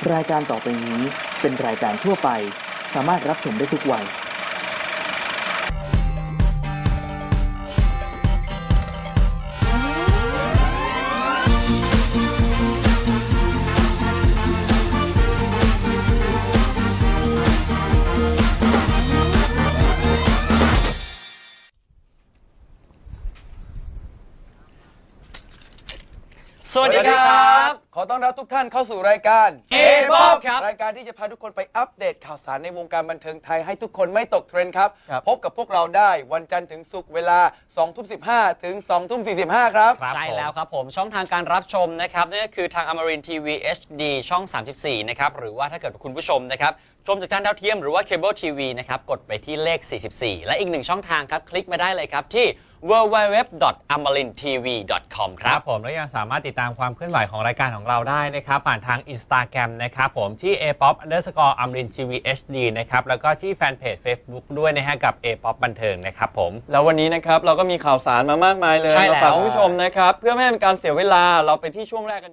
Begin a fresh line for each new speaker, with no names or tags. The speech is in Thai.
รายการต่อไปนี้เป็นรายการทั่วไปสามารถรับชมได้ทุกวัย
สวัสดีครับ
ขอต้อนรับทุกท่านเข้าสู่รายการ
A-Pop ครับ
รายการที่จะพาทุกคนไปอัปเดตข่าวสารในวงการบันเทิงไทยให้ทุกคนไม่ตกเทรนด์ครับ พบกับพวกเราได้วันจันทร์ถึงศุกร์เวลา 20:15 ถึง 20:45 ครับ
ใช่แล้วครับผมช่องทางการรับชมนะครับนั่นก็คือทางอมรินทีวี HD ช่อง 34 นะครับหรือว่าถ้าเกิดคุณผู้ชมนะครับชมจากจานดาวเทียมหรือว่าเคเบิลทีวีนะครับกดไปที่เลข 44 และอีกหนึ่งช่องทางครับคลิกมาได้เลยครับที่ www.amarintv.com ค
ค
รั
รับ บผมแล้วยังสามารถติดตามความเคลื่อนไหวของรายการของเราได้นะครับผ่านทาง Instagram นะครับผมที่ apop_amrintv_hd นะครับแล้วก็ที่แฟนเพจ Facebook ด้วยนะฮะกับ apop บันเทิงนะครับผม
แล้ววันนี้นะครับเราก็มีข่าวสารมามากมายเลย
ใช่แล้ว
มาฝากคุณผู้ชมนะครับเพื่อไม่ให้เป็นการเสียเวลาเราไปที่ช่วงแรกกัน